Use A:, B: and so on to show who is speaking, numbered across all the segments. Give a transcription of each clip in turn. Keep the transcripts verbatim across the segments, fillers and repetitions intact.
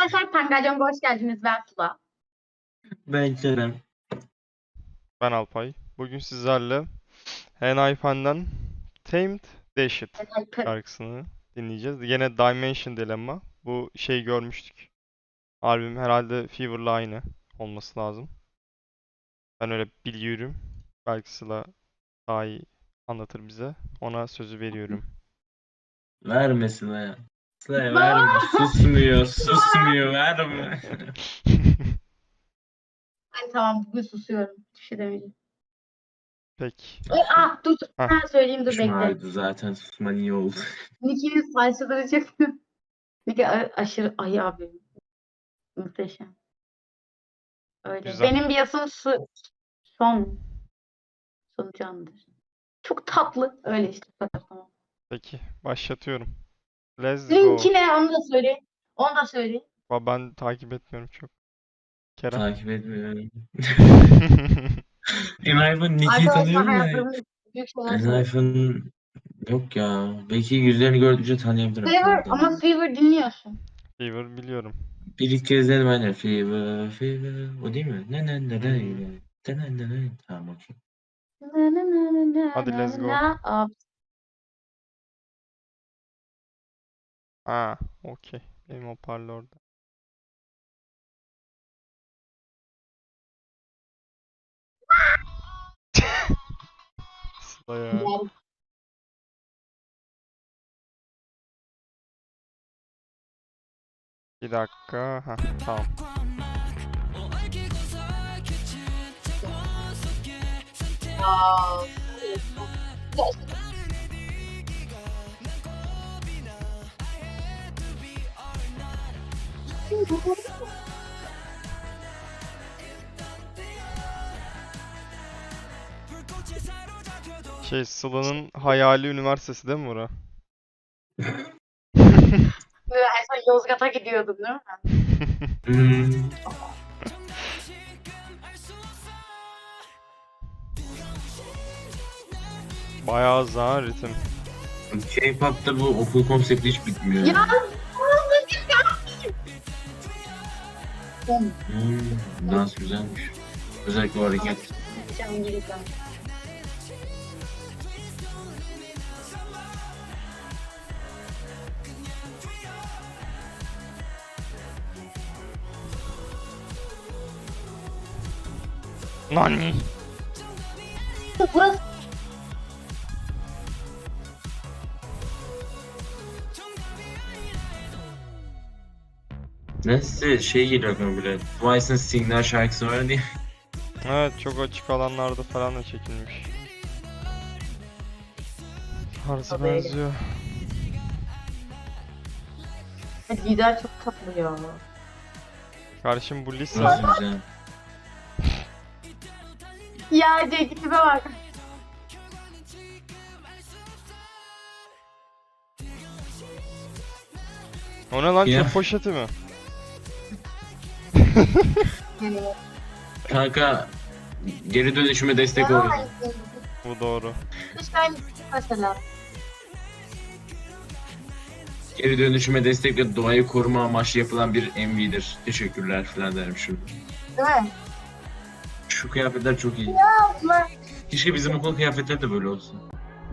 A: Arkadaşlar Pangalyon'a hoş geldiniz. Ben Sıla.
B: Ben Kerem.
C: Ben Alpay. Bugün sizlerle Henaipen'den Tamed Dashed şarkısını dinleyeceğiz. Yine Dimension Dilemma. Bu şey görmüştük. Albüm herhalde Fever'la aynı olması lazım. Ben öyle biliyorum. Belki Sıla daha iyi anlatır bize. Ona sözü veriyorum.
B: Verme Sıla'ya. Sıla'ya verme. Susmuyor. Susmuyor. Verme.
A: Ay tamam bugün susuyorum. Bir şey demeyeceğim.
C: Peki.
A: Ay, ah dur dur.
C: Heh.
A: Ben söyleyeyim dur
B: Konuşma
A: bekle.
B: halde zaten susman iyi oldu.
A: Nicki'nin saçları çok... Nicki a- aşırı... Ay abi. Muhteşem. Öyle.
C: Güzel.
A: Benim bir yasım su... Son. Son candır. Çok tatlı. Öyle işte. bu kadar, Tamam.
C: Peki. Başlatıyorum. Let's go.
A: Linki ne? Onu da söyle. Onu da söyle.
C: Ba- Ben takip etmiyorum çok. Kerem.
B: Takip etmiyorum. Enayfa'nın Nicki'yi
A: Arkadaşlar
B: tanıyorum da.
A: hayatlarımın büyük şeyler söyle.
B: Enayfa'nın yok ya. Belki yüzlerini gördükçe tanıyabilirim.
A: Fever
B: Tanıdım.
A: ama Fever dinliyorsun.
C: Fever biliyorum.
B: Bir iki kez dedim ben de. Fever, fever. O değil mi? Ne ne ne ne
C: Hmm.
B: ne ne ne ne. Tamam okey.
A: Na, na, na, na, na,
C: Hadi
A: na,
C: let's go.
A: na. Abi,
C: Ha, okey. Benim hoparlörde. Sıla ya.
A: yani
C: Bir dakika. Ha, tamam.
A: Aa,
C: Şey Sıla'nın hayali üniversitesi değil mi bura?
A: en son Yozgat'a gidiyordum değil mi?
B: Hmm.
C: Bayağı hızlı ha ritim.
B: K-pop'ta bu okul konsepti hiç bitmiyor.
A: Ya
B: Hmm, dans güzelmiş. Özellikle o hareket.
C: Nani?
A: Burası
B: Neyse şey geliyor aklıma böyle. Twice'ın Signal şarkısı var diye.
C: Evet çok açık alanlarda falan da çekilmiş. Tarzı
A: Tabii öyle.
C: benziyor.
A: lider çok tatlı ya.
C: Karşım bu Lisa.
B: Burası güzel.
A: Ya Cenk'ime bak.
C: O ne lan
B: Ya.
C: çöp poşeti mi?
A: Yani,
B: Kanka geri dönüşüme destek oluyor.
C: Bu doğru.
A: İşte aynısı mesela.
B: Geri dönüşüme destek ve doğayı koruma amaçlı yapılan bir M V'dir. Teşekkürler falan derim şurada.
A: Değil mi?
B: Şu kıyafetler çok iyi.
A: Abla.
B: Keşke bizim okul kıyafetleri de böyle olsun.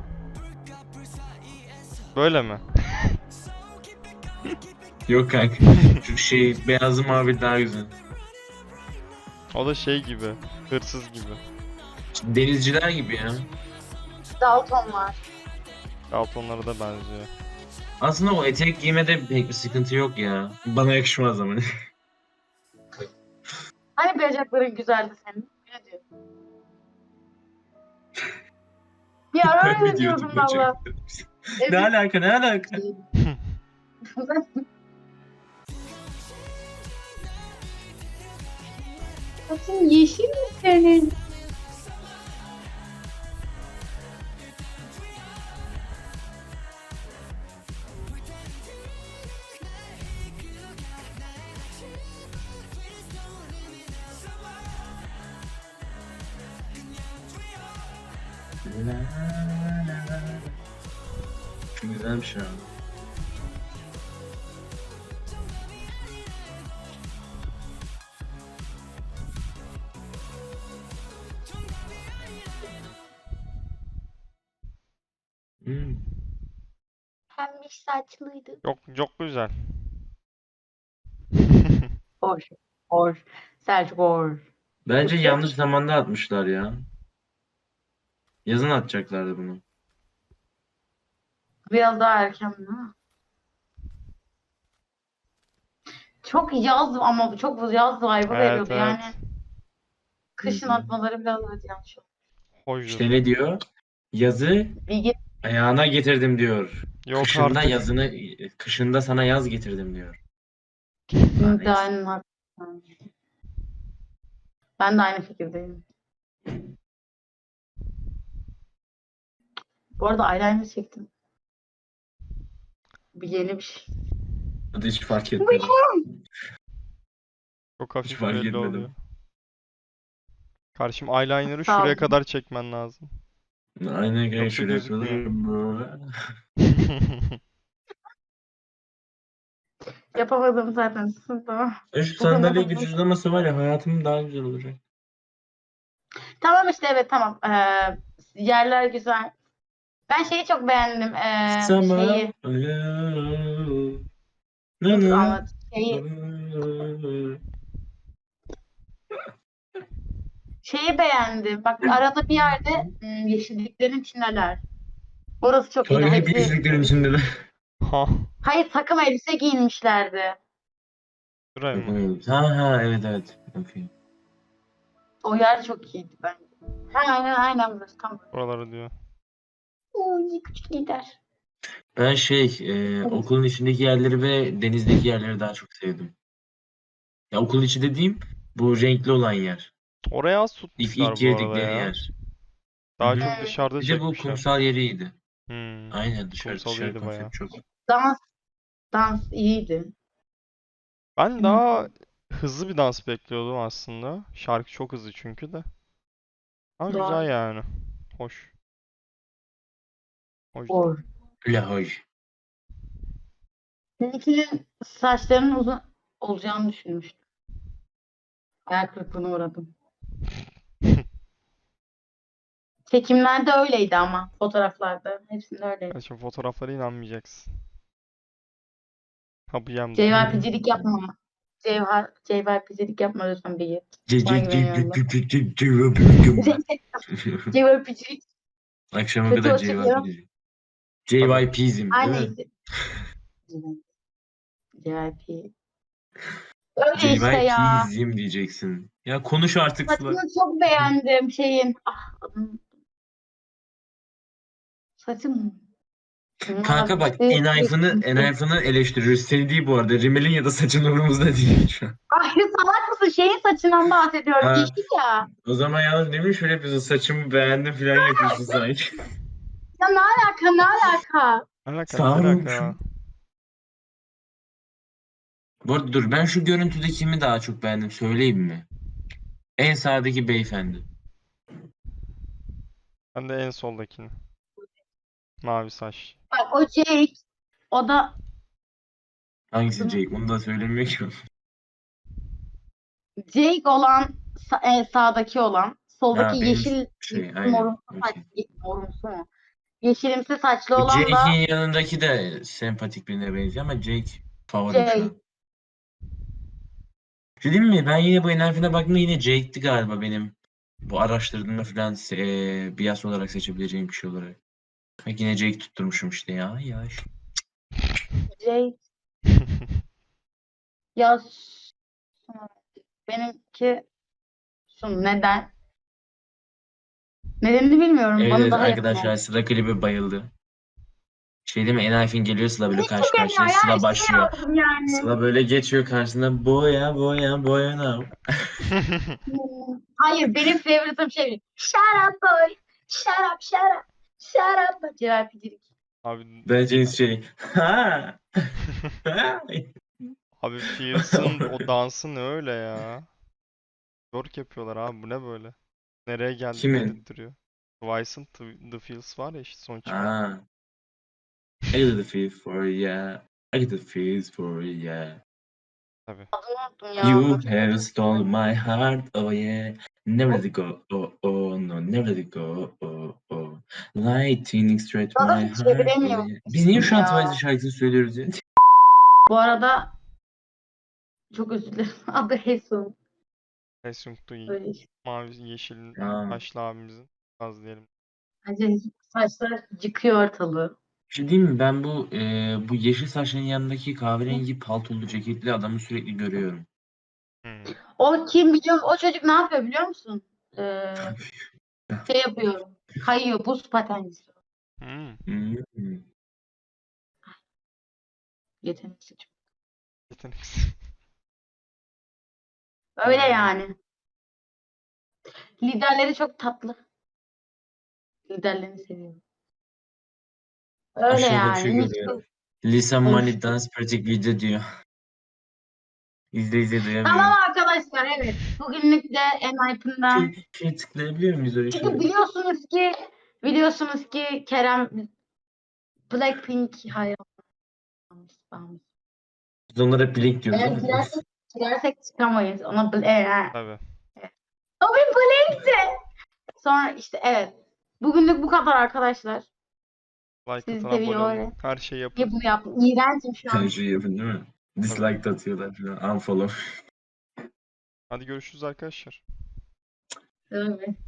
C: Böyle mi?
B: Yok kanka. Şu şey beyazı mavi daha güzel.
C: O da şey gibi. Hırsız gibi.
B: Denizciler gibi ya.
A: Dalton var.
C: Daltonlara da benziyor.
B: Aslında o etek giymede pek bir sıkıntı yok ya. Bana yakışmaz ama.
A: Hani bacakların güzeldi senin? Ne diyorsun? Bir ara
B: Ben mi
A: öyle
B: diyordum
A: diyordum valla.
B: bacak? Ne alaka ne alaka?
A: Saçın yeşil mi senin?
B: Çok güzelmiş ya. Hmm.
A: Pembiş saçlıydı.
C: Çok çok güzel.
A: Hoş. Hoş. Selçuk hoş.
B: Bence
A: Peki.
B: yanlış zamanda atmışlar ya. Yazın atacaklardı bunu.
A: Biraz daha erken değil mi? Çok yaz ama çok yaz vibe'ı
C: Evet
A: veriyordu yani.
C: evet.
A: Kışın
B: Hı hı.
A: atmaları biraz evet yanlış oldu.
C: Hoşdur.
B: İşte ne diyor? Yazı
A: Bilgi
B: ayağına getirdim diyor.
C: Yok
B: Kışında
C: artık.
B: yazını, kışında sana yaz getirdim diyor. Ha,
A: kesinlikle
B: neyse.
A: aynı haklısın. Ben de aynı fikirdeyim. Bu arada eyeliner çektim. Bir yeni bir şey.
B: Hadi hiç fark etmedim.
C: Çok
B: Hiç
C: hafif
B: fark
C: belli oluyor.
B: etmedim.
C: Karşım eyeliner'ı
A: Sağ
C: şuraya
A: ol.
C: kadar çekmen lazım.
B: Aynen kanka
C: Yoksa
B: şöyle
C: gözükmüyor.
B: yapalım.
A: Yapamadım zaten. Tamam.
B: E şu
A: Bugün
B: sandalye
A: yapamadım.
B: güç uzaması var ya hayatım daha güzel olacak.
A: Tamam işte evet tamam. Ee, yerler güzel. Ben şeyi çok beğendim. Ee,
B: Sama
A: şeyi.
B: na
A: Dur
B: na
A: anlat. Şeyi, şeyi beğendim. Bak arada bir yerde hmm, yeşilliklerin içindeler. Orası çok iyiydi.
B: Kanka hep
A: Hepsi
B: yeşilliklerin içinde de.
C: Ha,
A: hayır takım elbise giyinmişlerdi.
C: şuraya mı?
B: Ha ha evet evet. Okey.
A: O yer çok iyiydi bence. Ha, aynen aynen burası tam.
C: Buraları diyor.
A: Uy, küçük lider.
B: Ben şey e, okulun içindeki yerleri ve denizdeki yerleri daha çok sevdim. Ya okul içi dediğim bu renkli olan yer.
C: Oraya az
B: İlk ilk
C: tutmuşlar bu arada
B: girdikleri
C: ya.
B: yer. Hı
C: Daha
B: hı.
C: çok
A: Hmm,
C: dışarıda
B: Bir de bu
C: çekmişler.
B: kumsal yeriydi.
C: Hmm,
B: Aynen dışarı
C: kumsal
B: dışarı
C: iyiydi
B: konsept
C: bayağı.
B: çok.
A: dans dans iyiydi.
C: Ben
A: Hmm,
C: daha hızlı bir dans bekliyordum aslında. Şarkı çok hızlı çünkü de. Ama güzel
A: doğru.
C: yani. Hoş. Hoştu.
A: Doğru.
B: Lahoy.
A: Seninkinin saçlarının uzun olacağını düşünmüştüm. Hayal kırıklığına uğradım. Çekimlerde öyleydi ama fotoğraflarda. Hepsinde öyleydi.
C: Ya şimdi fotoğraflara inanmayacaksın. Yapacağım da.
A: J Y P'cilik yapma. Cevher, J Y P'cilik yapma lütfen bir git.
B: C-
A: Sana
B: c- c-
A: güveniyorum
B: c-
A: ben.
B: c- c- c-
A: J Y P'cilik
B: Akşama
A: kötü
B: kadar
A: o
B: J Y P
A: çıkıyor.
B: diyeceğim.
C: Tabii.
B: J Y P'zim değil mi?
A: Aynı J Y P. Öyle işte ya.
B: J Y P'zim diyeceksin. Ya konuş artık Sıla.
A: Saçını çok beğendim şeyin. Ah adını. Saçım.
B: Kanka bak
A: Mavi.
B: Enayf'ını Enayf'ını eleştiriyoruz. Seni değil bu arada. Rimel'in ya da saçın umurumuzda değil şu an.
A: Ay salak mısın? Şeyin saçından bahsediyorum.
B: Ha,
A: Yeşil ya.
B: o zaman yalnız demin şöyle yapıyorsun. Saçımı beğendim falan yapıyorsun sanki.
A: Ya ne alaka ne alaka?
C: Alaka ne
B: Sağ
C: alaka?
B: Bu arada dur ben şu görüntüde kimi daha çok beğendim söyleyeyim mi? En sağdaki beyefendi.
C: Ben de en soldakini. Mavi saç.
A: Bak o Jake. O da
B: Hangisi
A: adını
B: Jake? Onu da söylemiyor ki.
A: Jake olan sa- en sağdaki olan soldaki
B: Ha benim
A: yeşil
B: şey aynen.
A: morumsu saç
B: Okey.
A: morumsu mu? Yeşilimsi saçlı
B: Bu
A: olan da
B: Jake'in yanındaki de sempatik birine benziyor ama Jake favorim şu
A: Jake.
B: an. Şey diyeyim mi? Ben yine bu enerjine baktığımda yine Jake'ti galiba benim. Bu araştırdığımda falan e, bias olarak seçebileceğim kişi olarak. Bak yine Jake tutturmuşum işte ya. Ya işte.
A: Jake. Ya s- benimki şu neden? Nedenini bilmiyorum.
B: Evet
A: Bana
B: evet
A: daha yakın
B: arkadaşlar
A: oldu.
B: Sıla klibe bayıldı. Şey değil mi? Enayfin geliyor Sıla böyle
A: Hiç
B: karşı
A: çekemiyor
B: karşıya.
A: ya.
B: Sıla başlıyor.
A: İstemiyorum yani.
B: Sıla böyle geçiyor karşısında. Boya boya boya now.
A: Hmm, hayır benim favoritim şey. Shut up boy. Shut up shut up. Shut up boy. J Y P'cilik.
C: Abi
B: Bence şey. Ha. Ha.
C: abi Fierce'ın o dansı ne öyle ya? Work yapıyorlar abi bu ne böyle? Nereye geldik
B: Kimin?
C: dedirtiyor. Twice'ın The, The Feels var ya işte son çıkan.
B: Ha. I got the feel for ya. I got the feels for ya.
C: Tabii.
A: Adını unuttum ya.
B: You
A: Hatırladım.
B: have stole my heart, oh yeah. Never let it go. Oh, oh no. Never let it go. Oh, oh. Lightning straight
A: Daha
B: my
A: da
B: heart.
A: çeviremiyorum
B: Biz niye şu an
A: ya.
B: Twice'ın şarkısını söylüyoruz ya?
A: Bu arada çok özür dilerim. Adı Hesun.
C: Samsung'da
A: Böyle işte.
C: mavi yeşil
B: Aa,
C: başlı abimizin az diyelim.
A: Bence saçlar yıkıyor ortalığı.
B: bir şey diyeyim mi? Ben bu e, bu yeşil saçların yanındaki kahverengi paltolu ceketli adamı sürekli görüyorum.
C: Hmm.
A: O kim biliyor musun? O çocuk ne yapıyor biliyor musun? Ee, şey yapıyor. Kayıyor. Buz patencisi.
C: Hmm.
B: Hmm.
A: Yetenekli çocuk.
C: Yeteneksiz.
A: Öyle
C: Aynen.
A: yani. Liderleri çok tatlı. Liderlerini seviyorum. Öyle
B: Aşağıda bir
A: yani.
B: şey
A: Mis
B: görüyorum.
A: gibi
B: Lisa Money
A: konuştu.
B: Dance Pratik video diyor. İzle izle
A: Tamam
B: duyamıyorum.
A: arkadaşlar, evet. Bugünlük de Enlighten'dan.
B: Şey, şey tıklayabiliyor muyuz oraya
A: Çünkü
B: şöyle?
A: biliyorsunuz ki biliyorsunuz ki Kerem Blackpink hayranımız. Bağımlısı.
B: Biz onlara Blink diyoruz
A: Eğer
B: ama.
A: girersek, girersek çıkamayız. Ona bl- e,
C: Tabii.
A: o bir Blink'ti. Sonra işte evet. Bugünlük bu kadar arkadaşlar.
C: Like
A: Sizi
C: atın, abone olun.
A: seviyorum.
C: Her şeyi
A: Niye
C: yapın.
A: bunu yaptım? İğrençim şu
B: Her
A: an.
B: şeyi yapın değil mi?
C: Tabii.
B: Dislike de atıyorlar falan. Unfollow.
C: Hadi görüşürüz arkadaşlar.
A: Evet.